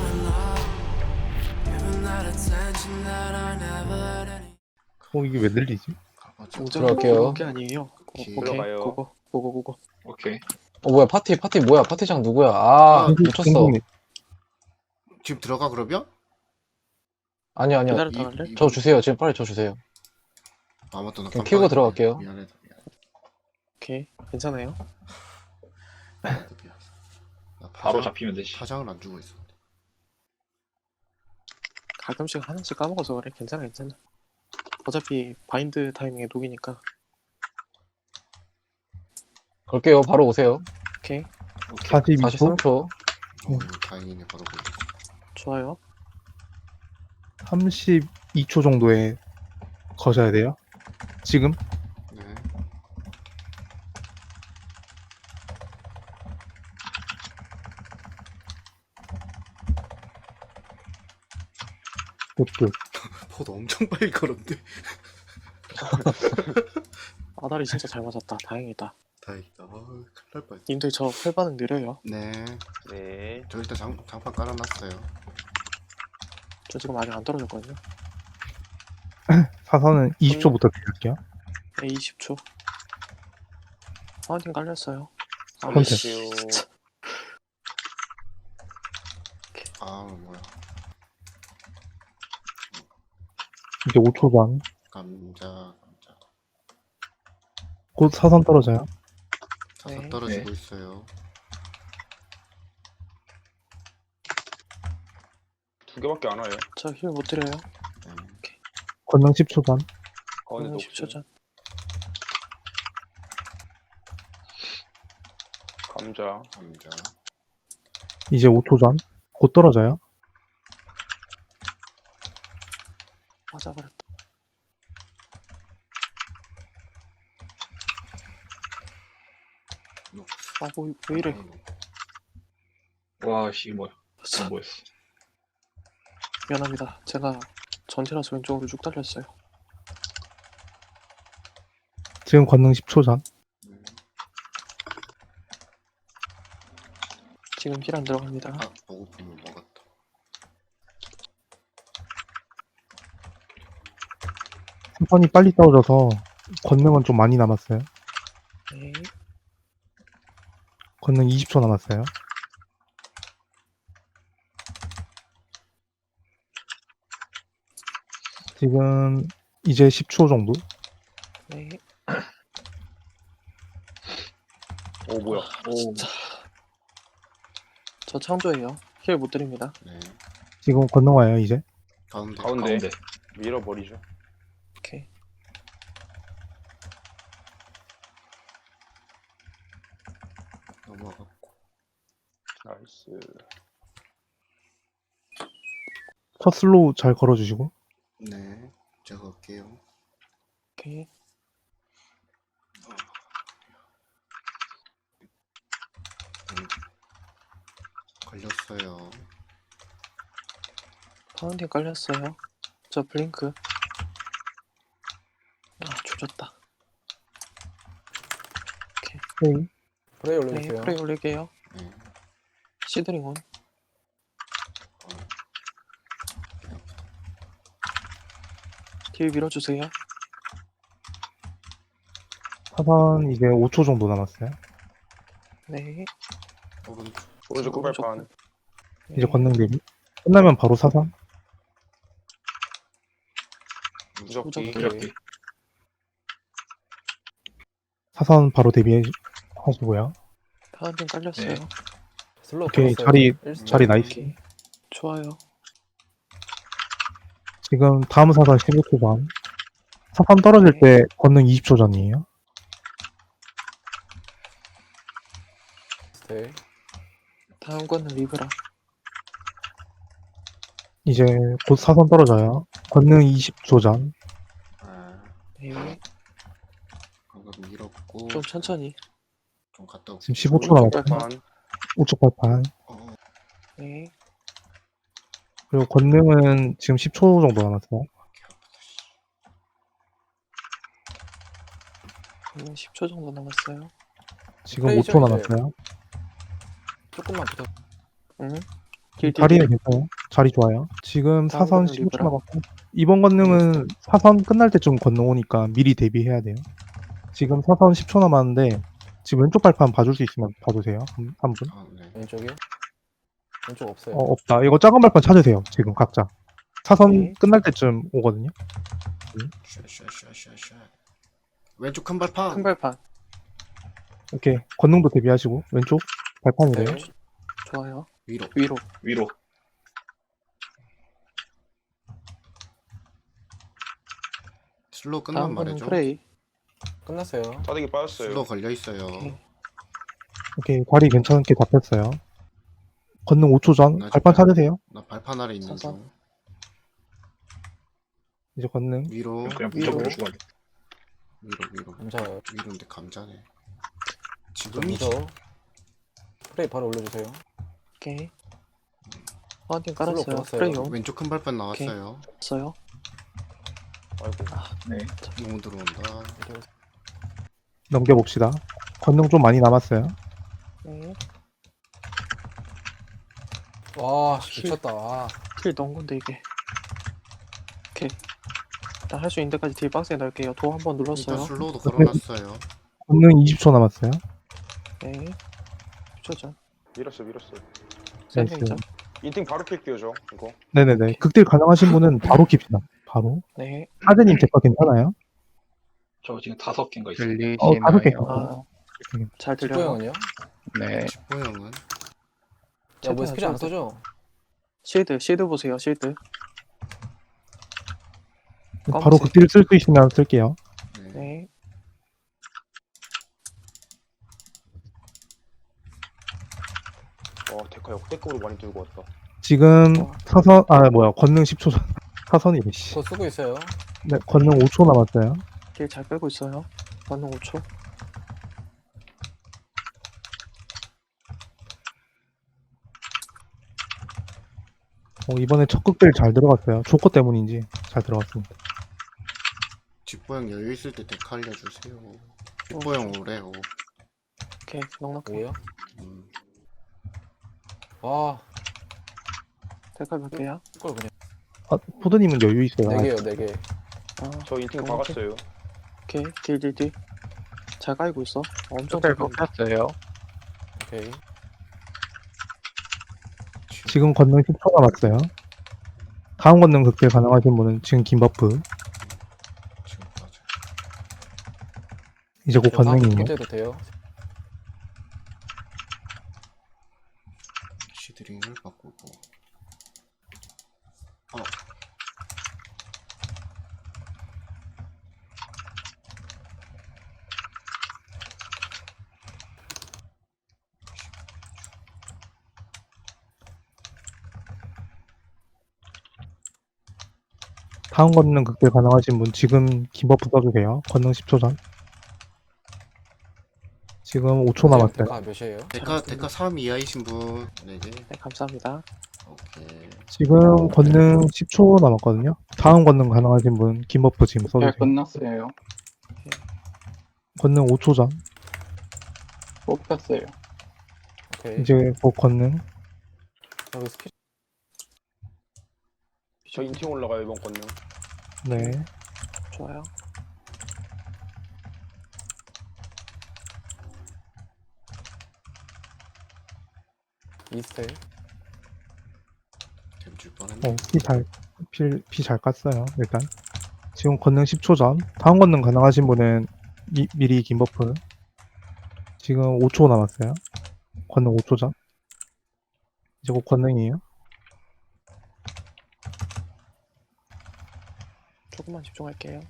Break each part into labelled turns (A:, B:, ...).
A: 이게 왜 들리지?
B: 들어갈게요.
C: 게 아니에요.
B: 오케이.
D: 들어가요.
C: 고고.
D: 오케이.
B: 뭐야, 파티 뭐야, 파티장 누구야? 아, 미쳤어.
A: 지금 들어가 그러면?
B: 아니요.
C: 기다렸다 갈래?
B: 저 주세요. 지금 빨리 저 주세요.
A: 아 맞다 나
B: 그냥 키우고 들어갈게요.
A: 미안해.
C: 오케이. 괜찮아요.
A: 미안. 나
D: 바로 잡히면 되지.
A: 파장을 안 주고 있었는데.
C: 가끔씩 하나씩 까먹어서 그래. 괜찮아. 어차피 바인드 타이밍에 녹이니까.
B: 걸게요. 바로 오세요.
C: 오케이.
A: 42초?
B: 43초.
A: 다행이네 바로 보고.
C: 좋아요.
A: 32초 정도에 거셔야 돼요. 지금?
E: 네.
A: 끝.
E: 포도 엄청 빨리 걸었는데.
C: 아다리 진짜 잘 맞았다. 다행이다.
E: 다행이다. 큰일 날 뻔했네.
C: 님들 저 펄반응 느려요.
E: 네.
D: 네.
E: 저 일단 장판 깔아놨어요.
C: 저 지금 아직 안 떨어졌거든요.
A: 사선은 20초부터 드릴게요.
C: 네, 20초. 파운틴 깔렸어요. 아,
A: 컨셉.
C: 진짜.
E: 아 뭐야.
A: 이제 5초 반.
E: 감자.
A: 곧 사선 떨어져요.
E: 자석
C: 네.
E: 떨어지고 있어요.
D: 두 개밖에 안 와요.
C: 저 힐 못 드려요.
E: 네.
A: 권능 10초 반.
D: 가운데 녹
C: 10초 전.
D: 감자.
E: 감자.
A: 이제 5초 전. 곧 떨어져요.
C: 맞아버렸다. 아, 왜 이래.
D: 와, 씨, 뭐야. 뭐였어.
C: 미안합니다. 제가 전체라서 왼쪽으로 쭉 달렸어요.
A: 지금 권능 10초 전.
C: 지금 힐 안 들어갑니다.
E: 아 보고품을 먹었다.
A: 사선이 빨리 떨어져서 권능은 좀 많이 남았어요.
C: 네.
A: 권능 20초 남았어요. 지금 이제 10초 정도?
C: 네.
D: 오, 뭐야. 오,
C: 진짜. 저 창조예요. 힐 못 드립니다.
E: 네.
A: 지금 권능 와요, 이제.
E: 가운데.
D: 가운데. 밀어버리죠.
C: 오케이.
E: 넘어갔고.
D: 나이스.
A: 첫 슬로우 잘 걸어주시고.
E: 네. 제가 갈게요.
C: 오케이.
E: 걸렸어요.
C: 파운틴 깔렸어요. 저 블링크. 아, 조졌다.
A: 네.
B: 프레이
C: 네,
B: 올려주세요.
C: 프레이 올릴게요.
E: 네.
C: 시드링 온. 딜 밀어주세요.
A: 사선 이제 5초 정도 남았어요.
C: 네.
E: 오른쪽.
D: 오른쪽 끝발판.
A: 이제 권능 대비. 끝나면 바로 사선.
D: 무적기.
C: 무적기.
D: 무적기.
A: 사선 바로 대비하시고요.
C: 파운틴 깔렸어요.
D: 네.
B: 슬로우
A: 오케이,
B: 걸었어요.
A: 자리 나이스.
C: 좋아요.
A: 지금 다음 사선 15초 전. 사선 떨어질 때 권능 20초 전이에요.
B: 네.
C: 다음 거는 리브라.
A: 이제 곧 사선 떨어져요. 권능 20초 전.
E: 아
C: 네.
E: 방금 밀었고.
C: 좀 천천히.
E: 좀 갔다 올게.
A: 지금 15초 남았어요.
D: 끝발판.
A: 우측 발판.
C: 네.
A: 그리고 권능은 지금 10초 정도 남았어요.
C: 10초 정도 남았어요.
A: 지금
B: 프레이죠,
A: 5초
B: 이제.
A: 남았어요.
B: 조금만 부탁.
C: 응.
A: 자리는 괜찮아요. 자리 좋아요. 지금
C: 다음
A: 사선
C: 건능
A: 15초
C: 리브라.
A: 남았고 이번 권능은 사선 끝날 때쯤 권능 오니까 미리 대비해야 돼요. 지금 사선 10초 남았는데 지금 왼쪽 발판 봐줄 수 있으면 봐주세요. 한 분.
E: 아, 네.
B: 왼쪽이요? 왼쪽 없어요.
A: 없다. 이거 작은 발판 찾으세요. 지금 각자. 사선
C: 네.
A: 끝날 때쯤 오거든요.
E: 샤샤샤샤샤. 왼쪽 큰 발판.
C: 큰 발판.
A: 오케이. 권능도 대비하시고 왼쪽 발판이래요.
B: 네.
C: 좋아요.
E: 위로.
C: 위로.
D: 위로.
E: 슬로우 끝난
C: 다음 거는
E: 말이죠.
C: 프레이.
B: 끝났어요.
D: 싸대기 빠졌어요.
E: 슬로우 걸려 있어요.
C: 오케이.
A: 오케이. 다리 괜찮게 잡혔어요. 권능 5초 전
E: 나
A: 발판
E: 지금-
A: 찾으세요.
E: 나 발판 아래 있는
C: 사선.
E: 중.
A: 이제 권능.
E: 위로.
D: 그냥
C: 위로.
D: 무조건 죽어야 돼.
E: 위로.
B: 감사해요.
E: 위로인데 감자네.
B: 좀
E: 지금이지.
B: 무서워. 프레이 바로 올려주세요.
C: 오케이. 파운틴
B: 슬로우
C: 깔았어요.
B: 끊었어요.
C: 프레이용.
E: 왼쪽 큰 발판 나왔어요.
C: 없어요.
D: 아이고.
E: 너무 들어온다.
A: 넘겨봅시다. 권능 좀 많이 남았어요.
C: 네.
B: 와, 미쳤다. 와.
C: 딜 넣은 건데 이게. 오케이. 일단 할 수 있는 데까지 딜 박스에 넣을게요. 도 한 번
E: 일단
C: 눌렀어요.
E: 슬로우도 걸어놨어요.
A: 권능 20초 남았어요.
C: 네. 초전.
D: 밀었어요.
A: 나이스.
C: 샌딩이죠.
D: 인팅 바로 킬게요 저 이거.
A: 네네네. 극딜 가능하신 분은 바로 킵시다. 바로.
C: 네.
A: 하드님 제거 괜찮아요?
F: 저 지금 5개인가 있어요.
G: 들리시나요?
A: 5개.
C: 아, 잘 들려요.
B: 직보형은요?
G: 네.
E: 집보형은
B: 야, 뭐 스킬 안 써줘?
C: 실드 보세요. 실드.
A: 바로
C: 검은색.
A: 극딜 쓸 수 있으면 쓸게요.
E: 네.
C: 네.
D: 데카 역대급으로 많이 들고 왔다.
A: 지금
C: 어.
A: 사선, 권능 10초 전. 사선이래, 씨.
B: 그거 쓰고 있어요.
A: 네, 권능 5초 남았어요.
C: 딜 잘 빼고 있어요. 반응 5초.
A: 이번에 첫 극딜 잘 들어갔어요. 조커 때문인지 잘 들어갔습니다.
E: 집보형 여유 있을 때 데카 알려주세요. 집보형 오래요.
C: 오케이. 넉넉해.
B: 뭐예요?
E: 음.
B: 와,
C: 데카 몇 개야?
B: 이걸 그냥.
A: 포드님은 여유 있어요.
B: 4개요, 4개.
C: 아,
D: 저 인팅
C: 너무
D: 박았어요.
C: 오케이. 딜. 잘 깔고 있어. 엄청
G: 잘
C: 잘 깔고.
G: 먹혔어요.
B: 오케이.
A: 지금 권능 10초 남았어요. 다음 권능 극딜 가능하신 분은 지금 긴 버프.
E: 지금까지.
A: 이제 곧 권능이에요.
B: 해도 돼요.
E: 시드링을 바꾸고.
A: 다음 권능 극딜 가능하신 분 지금 긴 버프 써주세요. 권능 10초 전. 지금 5초 남았어요.
B: 데카 몇이에요?
E: 데카 3 이하이신 분 4개.
C: 네, 감사합니다.
E: 오케이.
A: 지금 권능 10초 남았거든요. 다음 권능 가능하신 분 긴 버프 지금
F: 잘
A: 써주세요.
F: 끝났어요.
A: 권능 5초 전.
F: 뽑혔어요.
B: 오케이.
A: 이제 곧 권능.
B: 여기 스킬.
D: 저 인팅 올라가요 이번 건능.
A: 네.
C: 좋아요.
B: 이스텔.
E: 댐줄 뻔했네.
A: 피 잘 깠어요, 일단. 지금 권능 10초 전. 다음 권능 가능하신 분은 미리 긴 버프. 지금 5초 남았어요. 권능 5초 전. 이제 곧 권능이에요.
C: 조금만 집중할게요.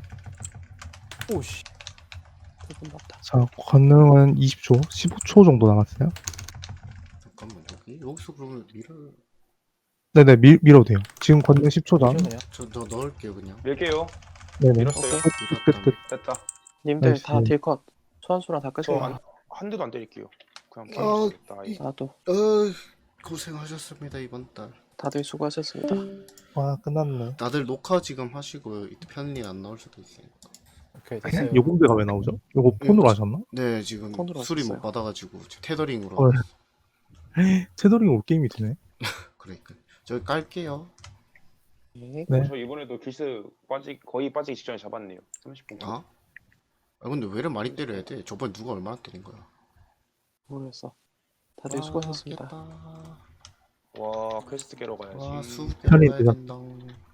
B: 오씨.
C: 조금 맞다.
A: 자, 권능은 20초, 15초 정도 남았어요.
E: 잠깐만 여기서 그러면
A: 네네, 밀어도 돼요. 지금 권능 10초 전.
B: 그냥.
E: 저 넣을게요 그냥.
D: 밀게요.
A: 네네.
D: 밀었어요.
A: 끝.
D: 됐다.
C: 님들
A: 나이스.
C: 다 딜컷. 소환수랑 다 끄세요.
D: 한 대도 안 때릴게요. 그냥
E: 어,
D: 깨겠다.
C: 나도.
E: 고생하셨습니다 이번 달.
C: 다들 수고하셨습니다.
A: 와, 끝났네.
E: 다들 녹화 지금 하시고 편리 안 나올 수도 있으니까.
B: 오케이, 됐어요.
A: 요금제가 왜 나오죠? 요거 폰으로 하셨나?
E: 네 지금
C: 폰으로
E: 수리
C: 하셨어요.
E: 못 받아가지고 테더링으로.
A: 헐. 테더링 올 게임이 되네.
E: 그러니까 저기 깔게요.
C: 네.
A: 네.
D: 저 이번에도 길스 거의 빠지기 직전에 잡았네요. 30분.
E: 아? 아 근데 왜 이렇게 많이 때려야 돼? 저번에 누가 얼마나 때린 거야?
C: 모르겠어. 다들 수고하셨습니다.
E: 깼다.
D: 와 퀘스트 깨러 가야지.
E: 와, 수
A: 편히
E: 깨러 가야
A: 되죠.
E: 된다.